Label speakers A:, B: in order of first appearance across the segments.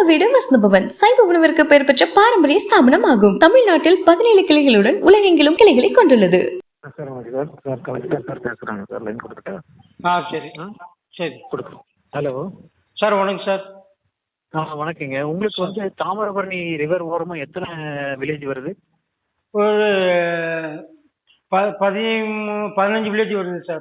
A: வீடு வசந்தபவன் சைவ உணவிற்கு பெயர் பெற்ற பாரம்பரிய ஸ்தாபனம் ஆகும். தமிழ்நாட்டில் 17 கிளைகளுடன் உலகெங்கிலும் கிளைகளை கொண்டுள்ளது.
B: ஹலோ
C: சார், வணக்கம் சார்.
B: வணக்கங்க. உங்களுக்கு வந்து தாமிரபரணி ரிவர் ஓரமா எத்தனை வில்லேஜ் வருது?
C: ஒரு 15 வில்லேஜ் வருது சார்.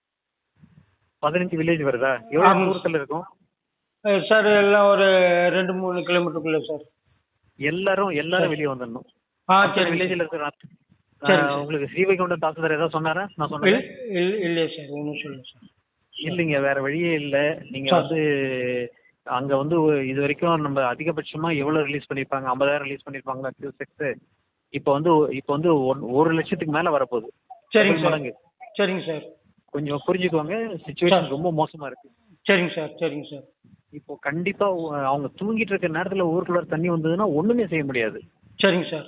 B: 15 வில்லேஜ் வருதா? எவ்வளவு தூரத்துல இருக்கும்
C: சார்? எல்லாம் ஒரு 2-3 கிலோமீட்டருக்குள்ள சார்.
B: எல்லாரும் வெளியே வந்துடணும்.
C: சரி.
B: வில்லேஜ்ல இருக்கிற உங்களுக்கு ஸ்ரீவைகுண்டம் தாசில்தார் ஏதாவது சொன்னாரா? நான் சொன்னேன்
C: இல்லையா சார்? ஒன்றும் சொல்லுங்க சார்.
B: இல்லைங்க, வேற வழியே இல்லை. நீங்க வந்து அங்க வந்து இது வரைக்கும் நம்ம அதிகபட்சமா எவ்வளவு ரிலீஸ் பண்ணிருப்பாங்க? 50,000 ரிலீஸ் பண்ணிருப்பாங்களா கியூசெக்ஸ்? இப்போ வந்து 1 லட்சத்துக்கு மேல வரப்போகுது.
C: சரிங்க சார். சரிங்க சார்.
B: கொஞ்சம் புரிஞ்சுக்கோங்க, சிச்சுவேஷன் ரொம்ப மோசமா இருக்கு.
C: சரிங்க சார். சரிங்க சார்.
B: இப்போ கண்டிப்பா அவங்க தூங்கிட்டு இருக்க நேரத்துல ஊருக்குள்ள தண்ணி வந்ததுன்னா ஒண்ணுமே செய்ய முடியாது.
C: சரிங்க சார்.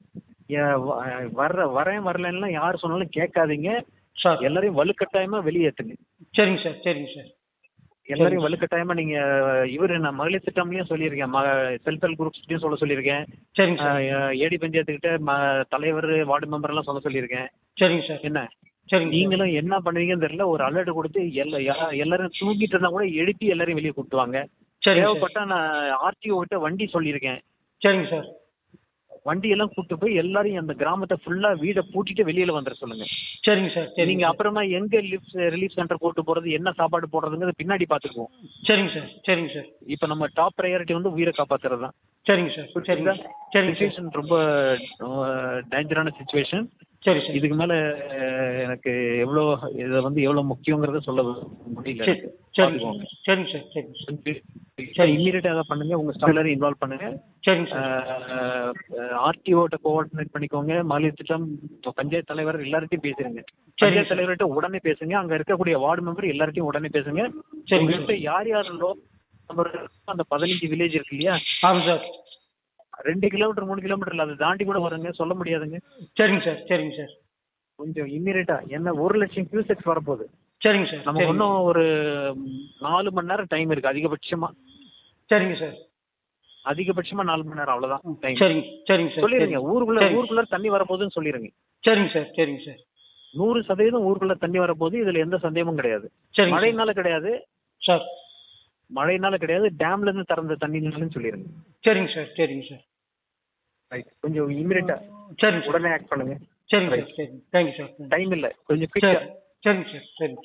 B: வரலன்னா யார் சொன்னாலும் கேட்காதீங்க
C: சார்.
B: எல்லாரையும் வலுக்கட்டாயமா வெளியேற்றுங்க.
C: சரிங்க சார். சரிங்க சார்.
B: எல்லாரையும் வலுக்கட்டாயமா நீங்க நான் மகளிர் திட்டம்லயும் சொல்லியிருக்கேன், செல்ஃப் ஹெல்ப் குரூப்ஸ்லயும் சொல்லியிருக்கேன்.
C: சரிங்க சார்.
B: ஏடி பஞ்சாயத்துக்கிட்ட தலைவர் வார்டு மெம்பர் எல்லாம் சொல்லியிருக்கேன்.
C: சரிங்க சார்.
B: என்ன
C: சரிங்க.
B: நீங்களும் என்ன பண்ணுவீங்கன்னு தெரியல, ஒரு அலர்ட் கொடுத்து எல்லாரும் தூங்கிட்டு இருந்தா கூட எழுப்பி எல்லாரையும் வெளியே கூப்பிட்டுவாங்க. தேவைப்பட்டா நான் ஆர்டிஓ கிட்ட வண்டி சொல்லியிருக்கேன்.
C: சரிங்க சார்.
B: வண்டி எல்லாம் கூட்டு போய் எல்லாரையும் அந்த கிராமத்தை ஃபுல்லா வீடை பூட்டிட்டு வெளியில வந்துட சொல்லுங்க.
C: சரிங்க சார்.
B: நீங்க அப்புறமா எங்க ரிலீஃப் சென்டர் கூட்டு போறது, என்ன சாப்பாடு போடுறதுங்கிறது பின்னாடி பாத்துக்குவோம்.
C: சரிங்க சார். சரிங்க சார்.
B: இப்ப நம்ம டாப் ப்ரையாரிட்டி வந்து உயிரை காப்பாத்துறது தான்.
C: சரிங்க சார். சரிங்க.
B: சிச்சுவேஷன் ரொம்ப டேஞ்சரான சிச்சுவேஷன்.
C: சரி சார்.
B: இதுக்கு மேல எனக்கு எவ்வளவு முக்கியங்கிறத சொல்ல முடியல.
C: சரிங்க சார்.
B: சரி, இம்மீடியட்டா பண்ணுங்க. உங்க ஸ்டாஃப் எல்லாரும் இன்வால்வ் பண்ணுங்க.
C: சரிங்க சார்.
B: ஆர்டிஓட்ட கோஆர்டினேட் பண்ணிக்கோங்க. மகளிர் திட்டம் பஞ்சாயத்து தலைவர் எல்லார்ட்டையும் பேசுறீங்க. பஞ்சாயத்து தலைவர்கிட்ட உடனே பேசுங்க. அங்க இருக்கக்கூடிய வார்டு மெம்பர் எல்லார்ட்டையும் உடனே பேசுங்க. உங்ககிட்ட யார் யாருந்தோ அந்த 15 வில்லேஜ் இருக்கு இல்லையா?
C: ஆமாம் சார்.
B: 2 கிலோமீட்டர் 3 கிலோமீட்டர்ல அதை தாண்டி கூட வருங்க, சொல்ல முடியாதுங்க.
C: சரிங்க சார். சரிங்க சார்.
B: கொஞ்சம் இம்மீடியட்டா என்ன 1 லட்சம் கியூசெக்ஸ் வரப்போகுது.
C: சரிங்க சார்.
B: நமக்கு இன்னும் ஒரு 4 மணி நேரம் டைம் இருக்கு அதிகபட்சமா.
C: சரிங்க சார்.
B: அதிகபட்சமா 4 மணி நேரம், அவ்வளவுதான் டைம்.
C: சரிங்க. சரிங்க சார்.
B: சொல்லிருங்க, ஊருக்குள்ள தண்ணி வரப்போகுதுன்னு சொல்லிருங்க.
C: சரிங்க சார். சரிங்க சார்.
B: 100% ஊருக்குள்ள தண்ணி வரப்போகுது. இதுல எந்த சந்தேகமும் கிடையாது. மழைனால கிடையாது
C: சார்.
B: மழைனால கிடையாது, டேம்ல இருந்து திறந்த தண்ணினாலும் சொல்லிருங்க.
C: சரிங்க சார். சரிங்க சார்.
B: கொஞ்சம் இமிடியட்டா
C: சரிங்க
B: உடனே ஆக்ட் பண்ணுங்க.
C: சரிங்க சார். சரிங்க. Thank you sir.
B: டைம் இல்ல, கொஞ்சம் குயிக்கா.
C: சரிங்க சார். சரிங்க.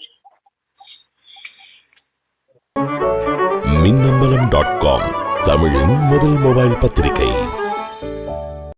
D: மின்னம்பலம்.com தமிழின் முதல் மொபைல் பத்திரிகை.